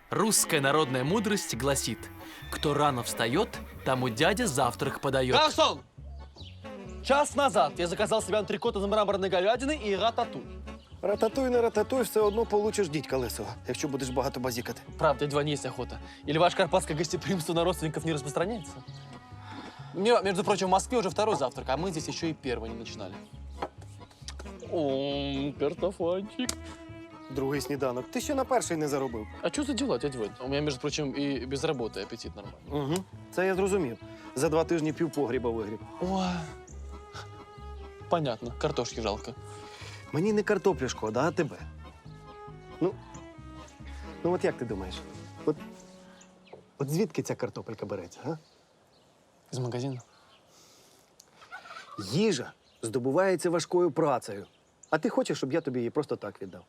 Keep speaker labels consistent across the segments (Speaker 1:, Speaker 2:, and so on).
Speaker 1: Русская народная мудрость гласит: кто рано встает, тому дядя завтрак подает.
Speaker 2: Гарсон! Час назад я заказал себе антрикот из мраморної говядини і рататуй.
Speaker 3: Рататуй на рататуй, все одно получиш дідька лисого, якщо будеш багато базікати.
Speaker 2: Правда, дядя Вань, есть охота. Или ваше карпатское гостеприимство на родственников не распространяется? Между прочим, в Москве уже второй завтрак, а мы здесь еще и первый не начинали. О, картофанчик.
Speaker 3: Другий сніданок. Ти ще на перший не заробив.
Speaker 2: А что за дела, дядя Вань? У меня, между прочим, и без работы аппетит нормальный.
Speaker 3: Угу. Це я зрозумів. За 2 тижні півпогріба вигріб.
Speaker 2: Ой. Понятно, картошки жалко.
Speaker 3: Мені не картоплю шкода, а тебе. Ну от як ти думаєш? От звідки ця картопелька береться, а?
Speaker 2: Из магазина?
Speaker 3: Їжа здобувається важкою працею. А ти хочеш, щоб я тобі її просто так віддав?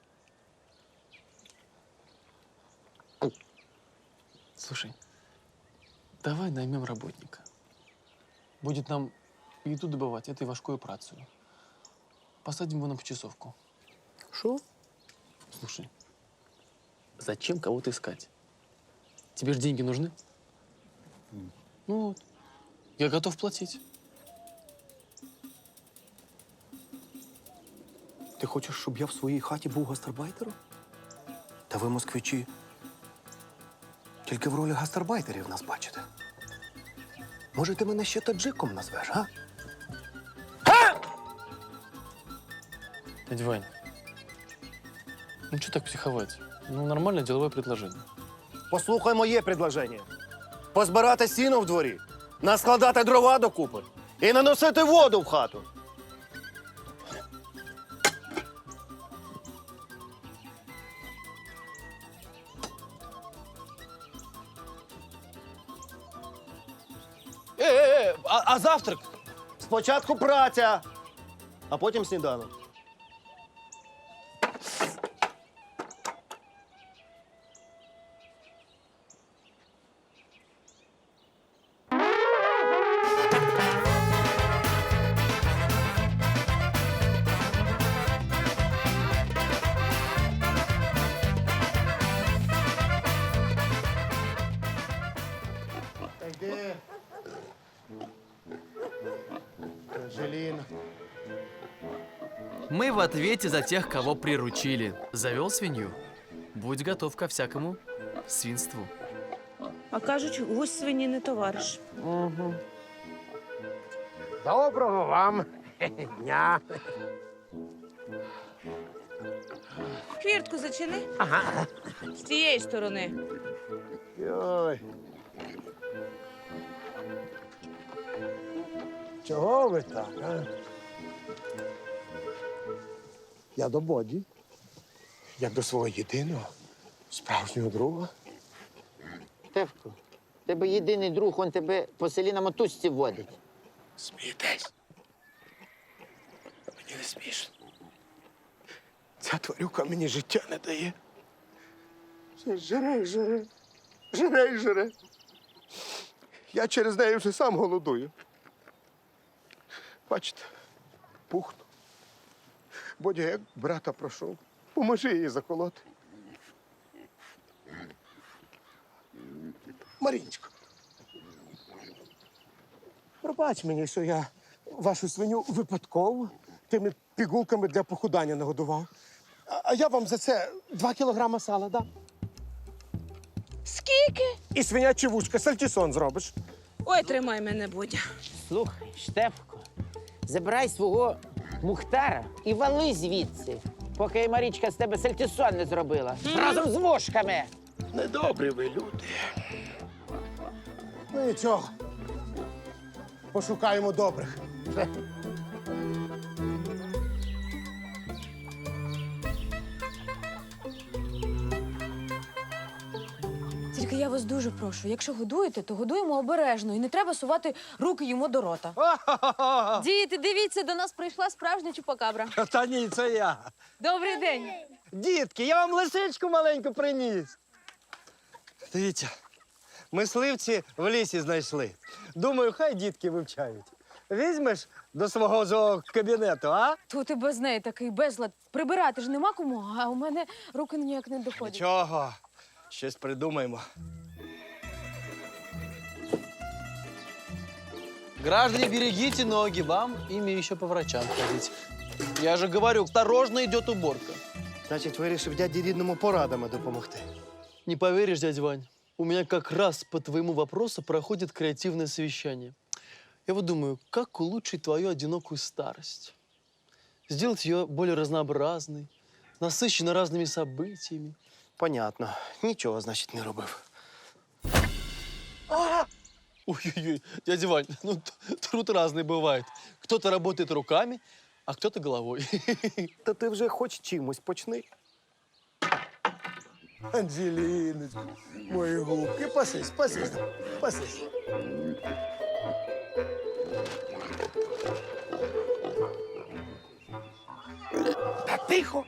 Speaker 2: Слушай, давай наймем работника. Будет нам еду добывать этой важкую працею. Посадим его на почасовку.
Speaker 3: Що?
Speaker 2: Слушай, зачем кого-то искать? Тебе же деньги нужны? Ну вот, я готов платить.
Speaker 3: Ти хочеш, щоб я в своїй хаті був гастарбайтером? Та ви, москвичі, тільки в ролі гастарбайтерів нас бачите. Може, ти мене ще таджиком назвеш, а?
Speaker 2: Дядя Вань, ну что так психовать? Ну, нормальное деловое предложение.
Speaker 3: Послухай моє предложення. Позбирати сіно в дворі, наскладати дрова докупи і наносити воду в хату.
Speaker 2: А завтрак?
Speaker 3: Спочатку праця, а потім сніданок.
Speaker 4: Йди. Желін.
Speaker 1: Мы в ответе за тех, кого приручили. Завел свинью? Будь готов ко всякому свинству.
Speaker 5: А кажуть, гусь свині не товариш.
Speaker 4: Доброго вам дня.
Speaker 5: Хвіртку зачини. Ага. З тієї сторони.
Speaker 4: Ой. Чого ви так, а? Я до Боді, як до свого єдиного, справжнього друга.
Speaker 6: Штефко, в тебе єдиний друг, он тебе по селі на мотузці водить.
Speaker 4: Смієтесь? Мені не смішно. Ця тварюка мені життя не дає. Все жре, жре. Жре і жре. Я через неї вже сам голодую. Бачите, пухну. Бодя, як брата прошу, поможи їй заколоти. Марінечко, пробач мені, що я вашу свиню випадково тими пігулками для похудання нагодував. А я вам за це 2 кілограма сала дам.
Speaker 5: Скільки?
Speaker 4: І свинячі вушка, сальтісон зробиш.
Speaker 5: Ой, тримай мене, Бодя.
Speaker 6: Слухай, Штефко, забирай свого Мухтара і вали звідси, поки Марічка з тебе сальтісон не зробила. Разом з вушками.
Speaker 4: Недобрі ви люди. Ну нічого. Пошукаємо добрих.
Speaker 7: Тільки я вас дуже прошу, якщо годуєте, то годуємо обережно і не треба сувати руки йому до рота. Діти, дивіться, до нас прийшла справжня чупакабра.
Speaker 8: Та ні, це я.
Speaker 7: Добрий день.
Speaker 8: Дітки, я вам лисичку маленьку приніс. Дивіться, мисливці в лісі знайшли. Думаю, хай дітки вивчають. Візьмеш до свого зоокабінету, а?
Speaker 7: Тут і без неї такий безлад. Прибирати ж нема кому, а у мене руки ніяк не доходять.
Speaker 8: Нічого. Щось придумаємо.
Speaker 2: Граждане, берегите ноги, вам ими еще по врачам ходить. Я же говорю, осторожно идет уборка.
Speaker 8: Значить, вирішив дяді рідному порадами допомогти.
Speaker 2: Не поверишь, дядя Вань, у меня как раз по твоему вопросу проходит креативное совещание. Я вот думаю, как улучшить твою одинокую старость? Сделать ее более разнообразной, насыщенной разными событиями.
Speaker 8: Понятно. Нічого, значить, не робив.
Speaker 2: Ой-ой-ой, дядя Вань, ну труд разный бывает. Кто-то работает руками, а кто-то головой.
Speaker 3: Та ти вже хоч чимось почни.
Speaker 4: Анжеліночка, мої губки, пасись, пасись, пасись. Та тихо.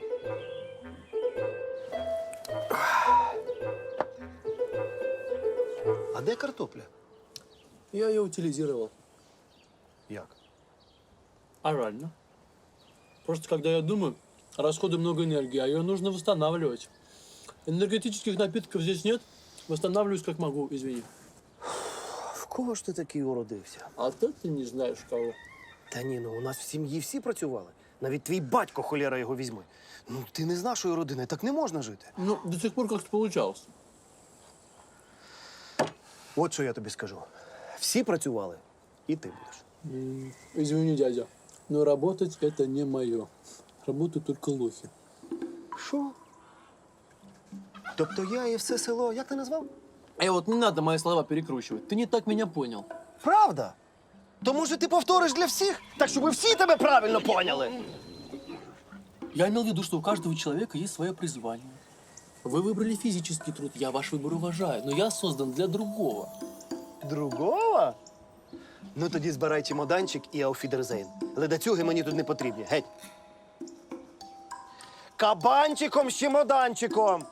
Speaker 3: А де картопля?
Speaker 2: Я ее утилизировал.
Speaker 3: Як?
Speaker 2: А реально? Просто когда я думаю, расходы много энергии, а ее нужно восстанавливать. Энергетических напитков здесь нет. Восстанавливаюсь как могу, извини.
Speaker 3: В кого ж ти такий уродився?
Speaker 2: А то ты не знаешь кого.
Speaker 3: Та ні, ну у нас в сім'ї всі працювали. Навіть твій батько, холєра його візьми. Ну, ти не з нашої родини, так не можна жити.
Speaker 2: Ну, до сих пор как-то получалось.
Speaker 3: От що я тобі скажу. Всі працювали, і ти будеш.
Speaker 2: Извини, дядя, но работать это не мое. Работают только лохи.
Speaker 3: Що? Тобто я і все село, як ти назвав?
Speaker 2: Вот не надо мои слова перекручивать. Ты не так меня понял.
Speaker 3: Правда? То може ти повториш для всіх, так щоб всі тебе правильно поняли?
Speaker 2: Я имел в виду, что у каждого человека есть свое призвание. Вы выбрали физический труд, я ваш выбор уважаю, но я создан для другого.
Speaker 3: Другого? Ну тоді збирай чемоданчик і ауфідерзейн. Ледацюги мені тут не потрібні. Геть. Кабанчиком з чемоданчиком.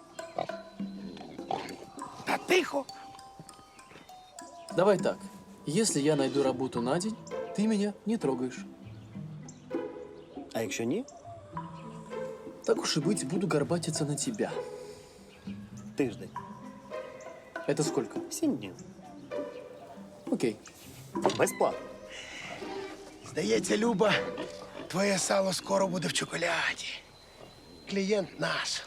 Speaker 4: Та тихо.
Speaker 2: Давай так. Если я найду работу на день, ты меня не трогаешь.
Speaker 3: А якщо ні,
Speaker 2: Так уж и быть, буду горбатиться на тебя.
Speaker 3: тиждень.
Speaker 2: Это сколько?
Speaker 3: 7 днів.
Speaker 2: Окей.
Speaker 3: Безплатно.
Speaker 4: Здається, Люба, твоє сало скоро буде в чоколяді. Клієнт наш.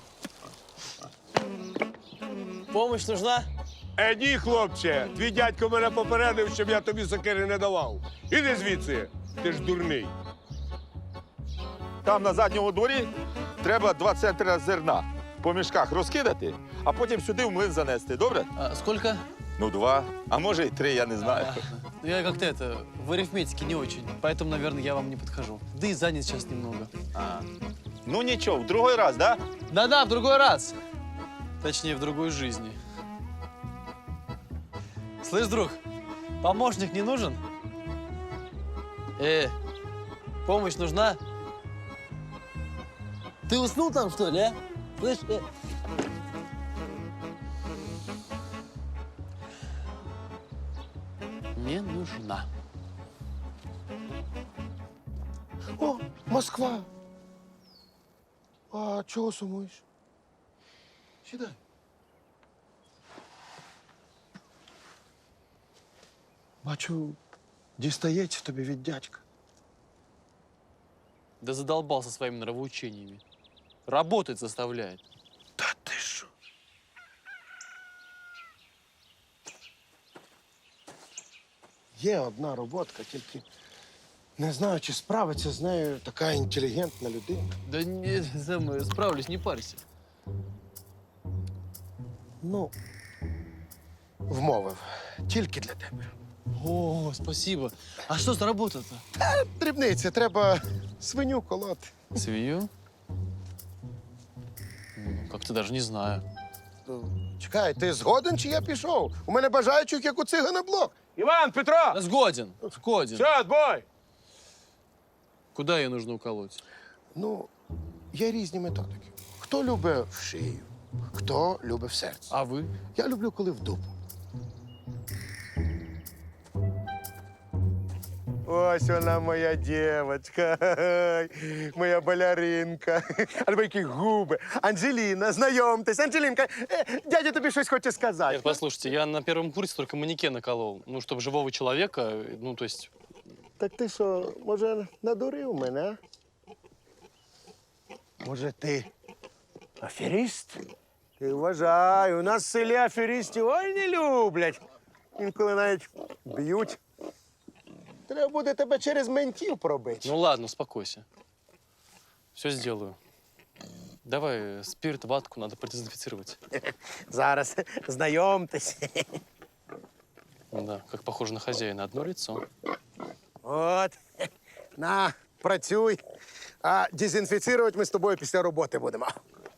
Speaker 2: Помощь нужна?
Speaker 9: Ні, хлопче, твій дядько мене попередив, щоб я тобі сокири не давав. Іди звідси, ти ж дурний.
Speaker 10: Там на задньому дворі треба 2 центри зерна по мішках розкидати, а потім сюди в млин занести. Добре?
Speaker 2: А, сколько?
Speaker 10: Ну, 2, а може й 3, я не знаю.
Speaker 2: Я как-то в арифметике не очень, поэтому, наверное, я вам не подхожу. Да и занят сейчас немного.
Speaker 10: Ну нічого, в другий раз, да?
Speaker 2: Да-да, в другой раз. Точнее, в другой жизни. Слышь, друг, помощник не нужен? Помощь нужна? Ты уснул там, что ли, а? Слышь, Не нужна.
Speaker 4: О, Москва. А чого сумуєш? Сідай. Бачу, дістається тобі від дядька.
Speaker 2: Да задолбался своими нравоучениями. Работать заставляет.
Speaker 4: Та ти що? Є одна роботка, тільки не знаю, чи справиться з нею така інтелігентна людина.
Speaker 2: Да не, справлюсь, не парься.
Speaker 4: Ну, вмовив. Тільки для тебе.
Speaker 2: О, спасибо. А что за работа-то?
Speaker 4: Дрібниці, треба свиню колоти.
Speaker 2: Свинью? Как-то даже не знаю.
Speaker 4: Чекай, ти згоден, чи я пішов? У мене бажаючих, як у цигана блок.
Speaker 9: Іван, Петро!
Speaker 2: Да сгоден, сгоден.
Speaker 9: Все, бой!
Speaker 2: Куда ее нужно уколоть?
Speaker 4: Ну, є різні методики. Хто любить в шию, хто любить в серце.
Speaker 2: А вы?
Speaker 4: Я люблю, коли в дупу. Ось вона моя дівчинка, моя балеринка. Альбо які губи. Анжеліна, знайомтесь. Анжелінка, дядя тобі щось хоче сказати.
Speaker 2: Нет, послушайте, я на первом курсе только манекена колол. Ну, чтобы живого человека, ну, то есть...
Speaker 4: Так ти що, може, надурив мене, а? Може, ти аферіст? Ти вважай, у нас в селі аферістів ой не люблять. Інколи навіть б'ють. Треба буде тебе через ментів пробити.
Speaker 2: Ну, ладно, успокойся. Все сделаю. Давай спирт, ватку надо продезинфицировать.
Speaker 4: Зараз знайомтесь.
Speaker 2: Да, как похоже на хозяина. Одно лицо.
Speaker 4: От. На, працюй. А дезінфіцирувати ми з тобою після роботи будемо.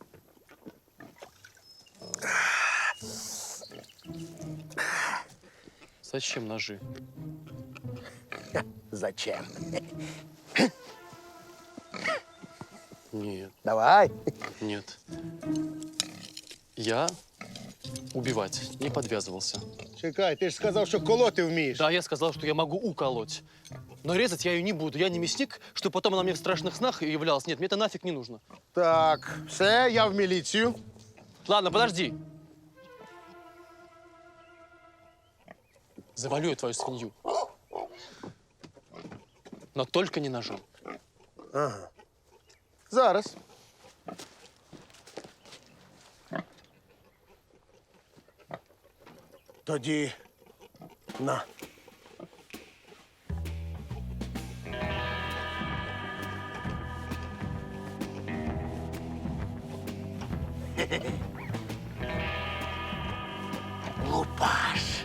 Speaker 2: Зачем ножи?
Speaker 4: Зачем?
Speaker 2: Нет,
Speaker 4: Давай.
Speaker 2: нет. Я убивать не подвязывался.
Speaker 4: Чекай, ти ж сказав, що колоти вмієш.
Speaker 2: Да, я сказал, что я могу уколоть. Но резать я ее не буду. Я не мясник, что потом она мне в страшных снах являлась. Нет, мне это нафиг не нужно.
Speaker 4: Так, все, я в міліцію.
Speaker 2: Ладно, подожди. Завалю я твою свинью. Но только не ножом.
Speaker 4: Ага. Зараз. Тоді на. Лупаш.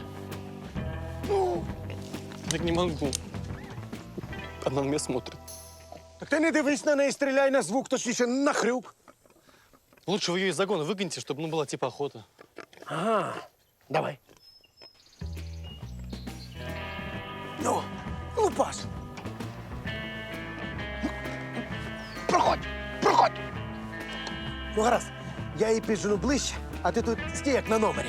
Speaker 2: Так не могу. Она на меня смотрит.
Speaker 4: Так ти не дивись на неї, стріляй на звук, точніше на хрюк.
Speaker 2: Лучше вы ее из загона выгоните, чтобы ну, была типа охота.
Speaker 4: Ага. Давай. Ну, лупаш. Проходь, проходь. Ну, гаразд, я її піджену ближче, а ти тут стій як на номері.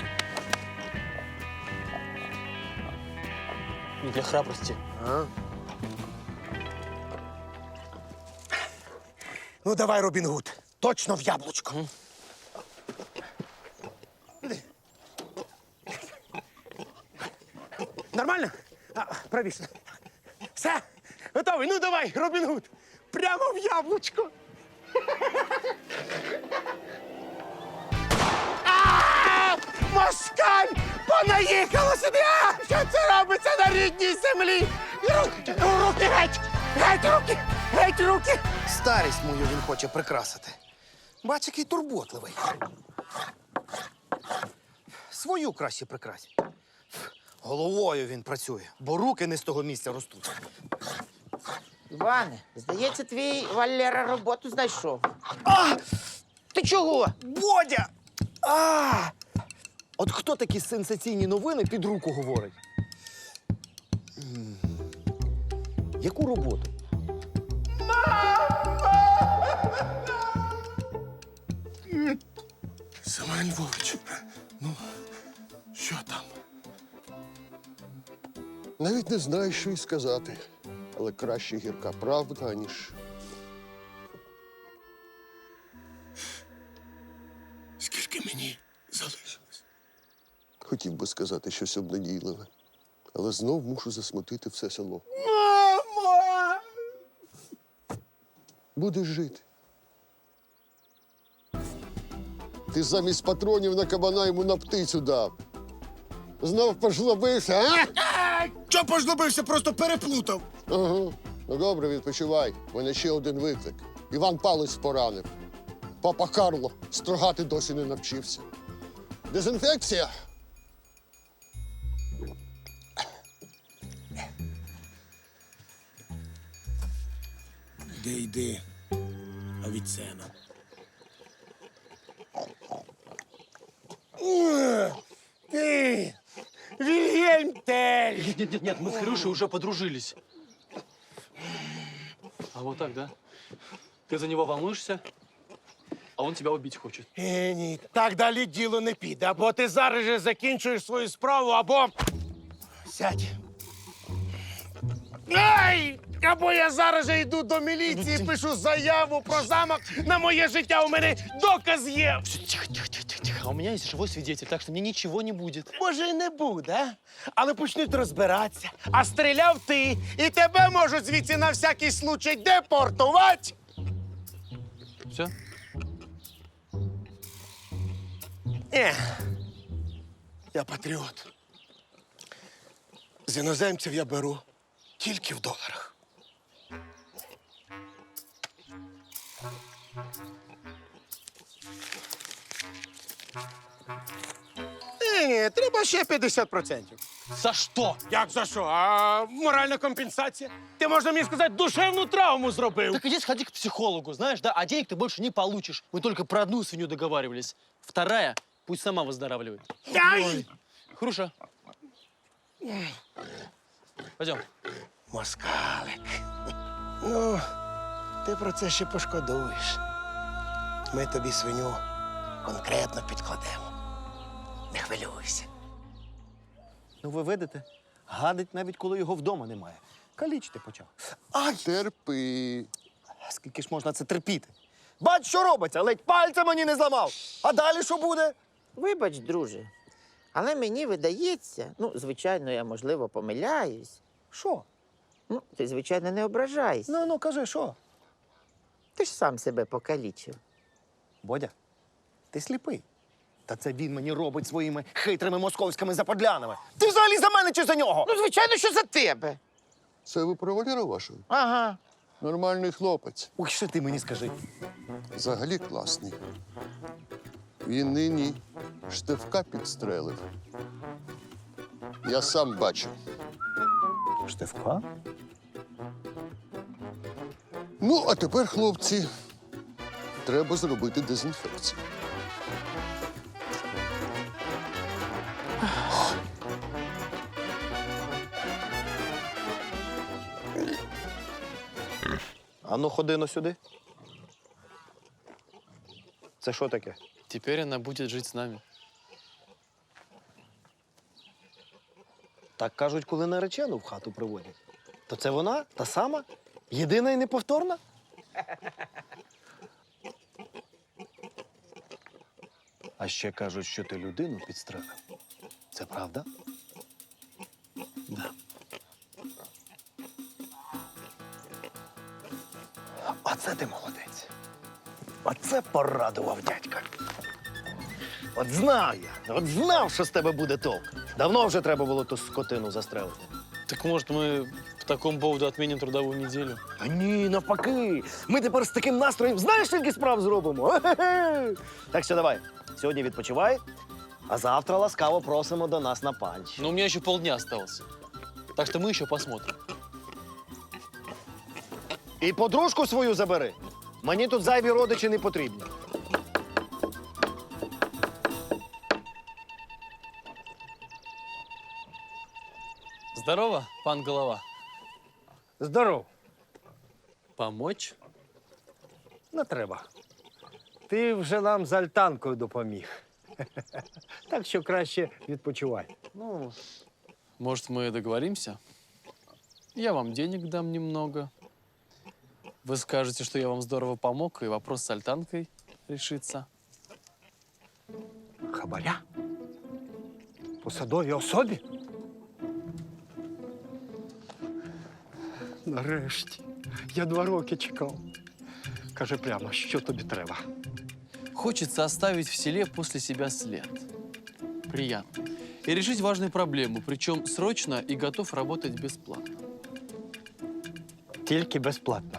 Speaker 2: Не для храбрости.
Speaker 4: Ага. Ну, давай, Робін Гуд. Точно в яблучко. Іди. Нормально? Правіше. Все? Готовий? Ну, давай, Робін Гуд. Прямо в яблучко. Москаль! Понаїхало сюди! Що це робиться на рідній землі? Руки геть! Геть руки! Геть руки! Старість мою він хоче прикрасити. Бач, який турботливий. Свою краще прикрась. Головою він працює, бо руки не з того місця ростуть.
Speaker 6: Іване, здається, твій Валера роботу знайшов. Ти чого?
Speaker 3: Бодя! От хто такі сенсаційні новини під руку говорить? Яку роботу?
Speaker 4: Семен Львович, ну, що там?
Speaker 11: Навіть не знаю, що й сказати. Але краще гірка правда, ніж.
Speaker 4: Скільки мені залишилось?
Speaker 11: Хотів би сказати щось обнадійливе. Але знов мушу засмутити все село.
Speaker 4: Мамо!
Speaker 11: Будеш жити. Ти замість патронів на кабана йому на птицю дав. Знов пожлобився, а?
Speaker 4: Чого пожлобився? Просто переплутав.
Speaker 11: Ага. Ну добре, відпочивай. У мене ще один виклик. Іван Палець поранив. Папа Карло строгати досі не навчився. Дезінфекція.
Speaker 4: Йди, Авіцена. Ти! Вільгельм Тель!
Speaker 2: Нет, мы с Хрюшей уже подружились. А вот так, да? Ты за него волнуешься, а он тебя убить хочет.
Speaker 4: Ні, так далі діло не піде. Або ти зараз же закінчуєш свою справу, або... Сядь. Ай! Ай! Або я зараз же йду до міліції, пишу заяву про замах на моє життя. У мене доказ є.
Speaker 2: Тихо, тихо, тихо, тихо, тихо. А у меня есть живой свидетель, так что мне ничего не будет.
Speaker 4: Може, і не буде, але почнуть розбиратися. А стріляв ти, і тебе можуть звідси на всякий случай депортувати.
Speaker 2: Все?
Speaker 4: Я патріот. З іноземців я беру тільки в доларах. Ні, треба ще 50%.
Speaker 2: За что?
Speaker 4: Як за що? А моральна компенсація? Ти, можна мені сказати, душевну травму зробив.
Speaker 2: Так иди сходи к психологу, знаешь, да? А денег ты больше не получишь. Мы только про одну свинью договаривались. Вторая пусть сама выздоравливает.
Speaker 4: Ай!
Speaker 2: Хруша. Пойдем.
Speaker 4: Москалик. Ну, ти про це ще пошкодуєш. Ми тобі свиню конкретно підкладемо. Не хвилюйся.
Speaker 8: Ну ви видите, гадить навіть коли його вдома немає. Калічити почав. Ай!
Speaker 11: Терпи.
Speaker 8: Скільки ж можна це терпіти? Бач, що робиться, ледь пальця мені не зламав. А далі що буде?
Speaker 6: Вибач, друже, але мені видається, ну, звичайно, я, можливо, помиляюсь.
Speaker 8: Що?
Speaker 6: Ну, ти, звичайно, не ображайся.
Speaker 8: Ну, кажи, що?
Speaker 6: Ти ж сам себе покалічив.
Speaker 8: Бодя, ти сліпий. Та це він мені робить своїми хитрими московськими заподлянами. Ти взагалі за мене чи за нього?
Speaker 6: Ну, звичайно, що за тебе.
Speaker 11: Це ви про Валеру вашого?
Speaker 6: Ага.
Speaker 11: Нормальний хлопець.
Speaker 8: Ой, що ти мені скажи?
Speaker 11: Взагалі класний. Він нині Штефка підстрелив. Я сам бачив.
Speaker 8: Штефка?
Speaker 11: Ну, а тепер, хлопці, треба зробити дезінфекцію.
Speaker 8: А ну, ходи ну сюди. Це що таке?
Speaker 2: Теперь она будет жить с нами.
Speaker 8: Так кажуть, коли наречену в хату приводять. То це вона, та сама, єдина і неповторна? А ще кажуть, що ти людину підстрелив. Це правда?
Speaker 2: Да.
Speaker 8: Оце ти молодець. Оце порадував дядька. От знав я, от знав, що з тебе буде толк. Давно вже треба було ту скотину застрелити.
Speaker 2: Так может, мы по такому поводу отменим трудовую неделю?
Speaker 8: А ні, навпаки. Ми тепер з таким настроєм знаєш, скільки справ зробимо? Ге-ге-ге. Так що давай, сьогодні відпочивай, а завтра ласкаво просимо до нас на панч.
Speaker 2: Но у меня еще полдня осталось. Так что мы еще посмотрим.
Speaker 8: І подружку свою забери. Мені тут зайві родичі не потрібні.
Speaker 2: Здорово, пан Голова.
Speaker 8: Здоров.
Speaker 2: Помочь?
Speaker 8: Не треба. Ти вже нам з альтанкою допоміг. Так що краще відпочивай.
Speaker 2: Ну, может, мы договоримся? Я вам денег дам немного. Вы скажете, что я вам здорово помог, и вопрос с альтанкой решится.
Speaker 8: Хабаря? Посадовій особі? Нарешті. Я 2 роки чекав. Кажи прямо, що тобі треба.
Speaker 2: Хочется оставить в селе после себя след. Приятно. И решить важную проблему, причем срочно и готов работать бесплатно.
Speaker 8: Тільки безплатно.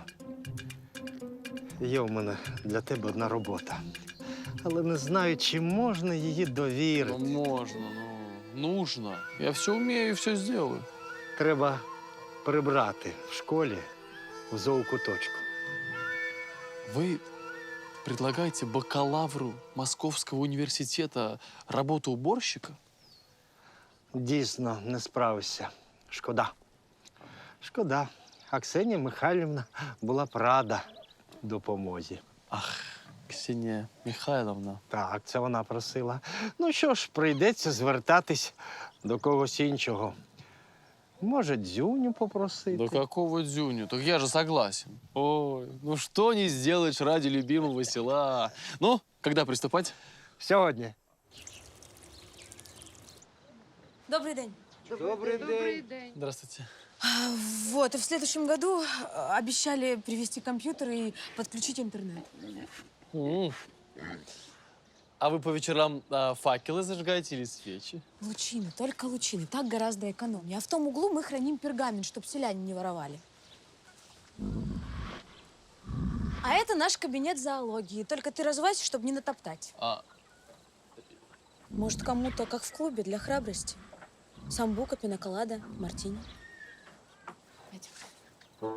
Speaker 8: Є у мене для тебе одна робота. Але не знаю, чи можна її
Speaker 2: Ну,
Speaker 8: довірити.
Speaker 2: можно, нужно. Я все умею и все сделаю.
Speaker 8: Треба прибрати в школі в зоокуточку.
Speaker 2: Вы предлагаете бакалавру Московского университета работу уборщика?
Speaker 8: Дійсно, не справився. Шкода. Шкода. А Ксенія Михайлівна була б рада допомозі.
Speaker 2: Ах, Ксения Михайловна.
Speaker 8: Так, це вона просила. Ну що ж, прийдеться звертатись до когось іншого. Може, дзюню попросити.
Speaker 2: Да какого дзюню? Так я же согласен. Ой, ну что не сделаешь ради любимого села. Ну, когда приступать?
Speaker 8: Сьогодні.
Speaker 7: Добрий день.
Speaker 8: Добрий день.
Speaker 2: Здравствуйте.
Speaker 7: Вот, и в следующем году обещали привезти компьютер и подключить интернет.
Speaker 2: А вы по вечерам факелы зажигаете или свечи?
Speaker 7: Лучины, только лучины. Так гораздо экономнее. А в том углу мы храним пергамент, чтобы селяне не воровали. А это наш кабинет зоологии. Только ты развивайся, чтобы не натоптать. Может, кому-то, как в клубе, для храбрости? Самбука, пинаколада, мартини. Пойдем.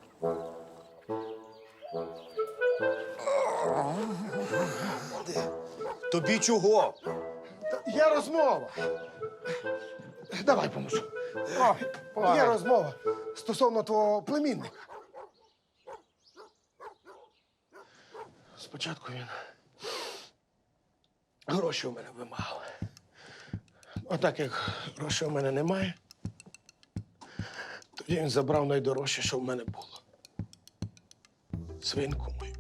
Speaker 3: Тобі чого?
Speaker 4: Є розмова. Давай поможу. Є розмова стосовно твого племінника. Спочатку він гроші у мене вимагав. А так як грошей у мене немає, тоді він забрав найдорожче, що в мене було. Свинку мою.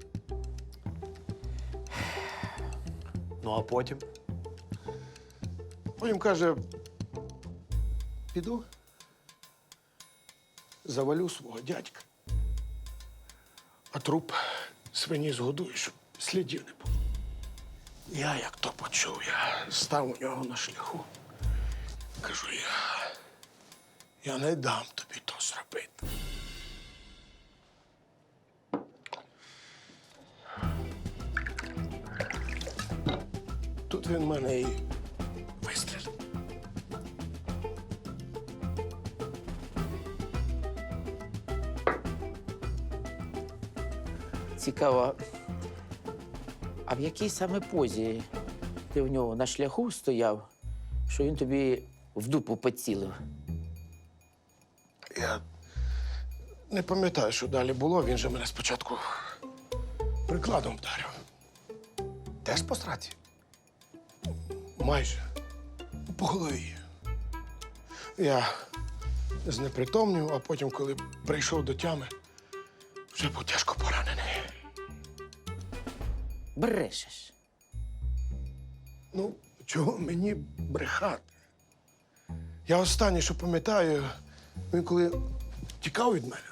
Speaker 3: Ну, а потім?
Speaker 4: Потім каже, піду, завалю свого дядька, а труп свині згодую, щоб слідів не було. Я, як то почув, я став у нього на шляху. Кажу, я не дам тобі то зробити. Тут він мене і вистрілив.
Speaker 6: Цікаво, а в якій саме позі ти в нього на шляху стояв, що він тобі в дупу поцілив?
Speaker 4: Я не пам'ятаю, що далі було. Він же мене спочатку прикладом вдарив.
Speaker 3: Теж по сраці?
Speaker 4: Майже. По голові. Я знепритомнів, а потім, коли прийшов до тями, вже був тяжко поранений.
Speaker 6: Брешеш.
Speaker 4: Ну, чого мені брехати? Я останнє, що пам'ятаю, він коли тікав від мене.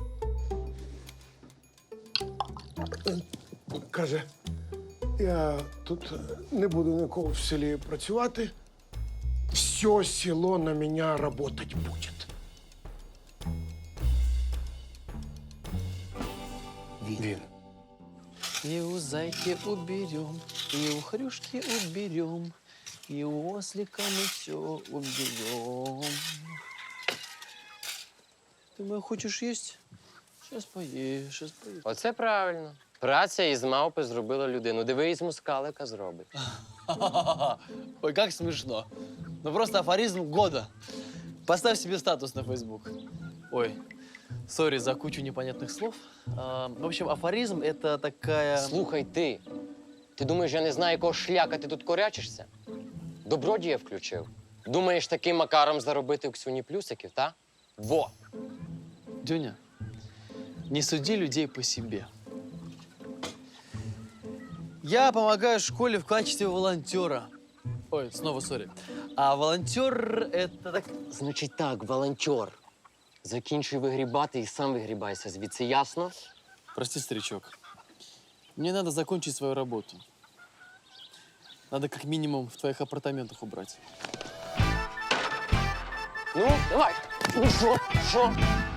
Speaker 4: Він каже, я тут не буду нікого в селі працювати. Все село на мене работать буде.
Speaker 3: Він.
Speaker 2: И у зайки уберем, и у хрюшки уберем, и у ослика мы все уберем. Ты, моя, хочешь есть? Сейчас поешь, сейчас поешь.
Speaker 12: Оце правильно. Праця із мавпи зробила людину. Диви, із мускалика зробить.
Speaker 2: Ой, как смешно. Ну просто афоризм года. Поставь себе статус на Facebook. Ой, сори за кучу непонятных слов. В общем, афоризм — это такая...
Speaker 12: Слухай ти. Ти думаєш, я не знаю, якого шляка ти тут корячишся? Добродія включив. Думаєш, таким макаром заробити у Ксюні плюсиків, та? Во!
Speaker 2: Дюня, не суди людей по себе. Я помогаю школе в качестве волонтера. Ой, снова сори. А волонтер — это так...
Speaker 12: Значить так, волонтер. Закінчуй вигрібати і сам вигрібайся звідси, ясно?
Speaker 2: Прости, старичок. Мне надо закончить свою работу. Надо как минимум в твоих апартаментах убрать.
Speaker 12: Ну, давай. Ну що? Що?